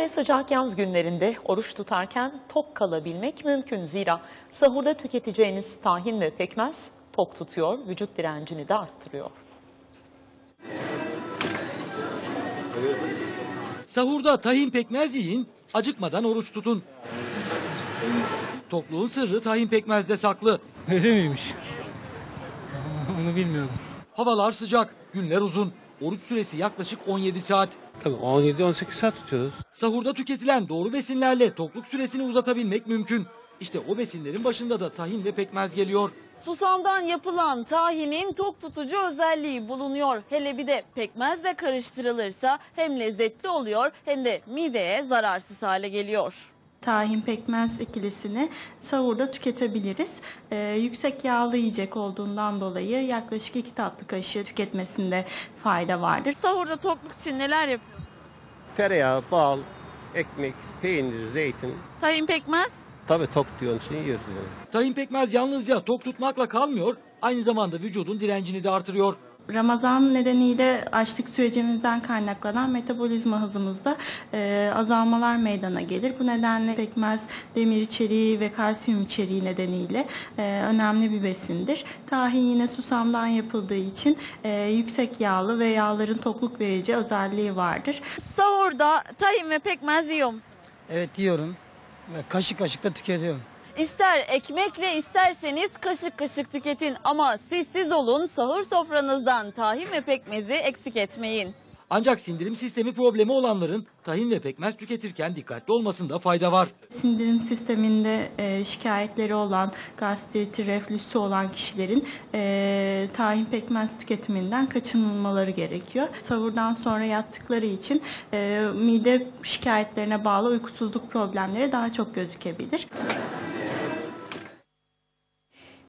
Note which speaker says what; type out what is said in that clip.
Speaker 1: ve sıcak yaz günlerinde oruç tutarken tok kalabilmek mümkün. Zira sahurda tüketeceğiniz tahin ve pekmez tok tutuyor, vücut direncini de arttırıyor.
Speaker 2: Sahurda tahin pekmez yiyin, acıkmadan oruç tutun. Tokluğun sırrı tahin pekmezde saklı.
Speaker 3: Öyle miymiş? Onu bilmiyorum.
Speaker 2: Havalar sıcak, günler uzun. Oruç süresi yaklaşık 17 saat.
Speaker 3: Tabii 17-18 saat tutuyoruz.
Speaker 2: Sahurda tüketilen doğru besinlerle tokluk süresini uzatabilmek mümkün. İşte o besinlerin başında da tahin ve pekmez geliyor.
Speaker 4: Susamdan yapılan tahinin tok tutucu özelliği bulunuyor. Hele bir de pekmezle karıştırılırsa hem lezzetli oluyor hem de mideye zararsız hale geliyor.
Speaker 5: Tahin pekmez ikilisini sahurda tüketebiliriz. Yüksek yağlı yiyecek olduğundan dolayı yaklaşık 2 tatlı kaşığı tüketmesinde fayda vardır.
Speaker 4: Sahurda tokluk için neler yapıyor?
Speaker 6: Tereyağı, bal, ekmek, peynir, zeytin.
Speaker 4: Tahin pekmez?
Speaker 6: Tabii tok diyorsun için yiyoruz yani.
Speaker 2: Tahin pekmez yalnızca tok tutmakla kalmıyor, aynı zamanda vücudun direncini de artırıyor.
Speaker 5: Ramazan nedeniyle açlık sürecimizden kaynaklanan metabolizma hızımızda azalmalar meydana gelir. Bu nedenle pekmez demir içeriği ve kalsiyum içeriği nedeniyle önemli bir besindir. Tahin yine susamdan yapıldığı için yüksek yağlı ve yağların tokluk verici özelliği vardır.
Speaker 4: Sahurda tahin ve pekmez yiyor musunuz?
Speaker 7: Evet yiyorum ve kaşık kaşık da tüketiyorum.
Speaker 4: İster ekmekle isterseniz kaşık kaşık tüketin ama siz olun, sahur sofranızdan tahin ve pekmezi eksik etmeyin.
Speaker 2: Ancak sindirim sistemi problemi olanların tahin ve pekmez tüketirken dikkatli olmasında fayda var.
Speaker 5: Sindirim sisteminde şikayetleri olan, gastriti, reflüsü olan kişilerin tahin pekmez tüketiminden kaçınılmaları gerekiyor. Sahurdan sonra yattıkları için mide şikayetlerine bağlı uykusuzluk problemleri daha çok gözükebilir.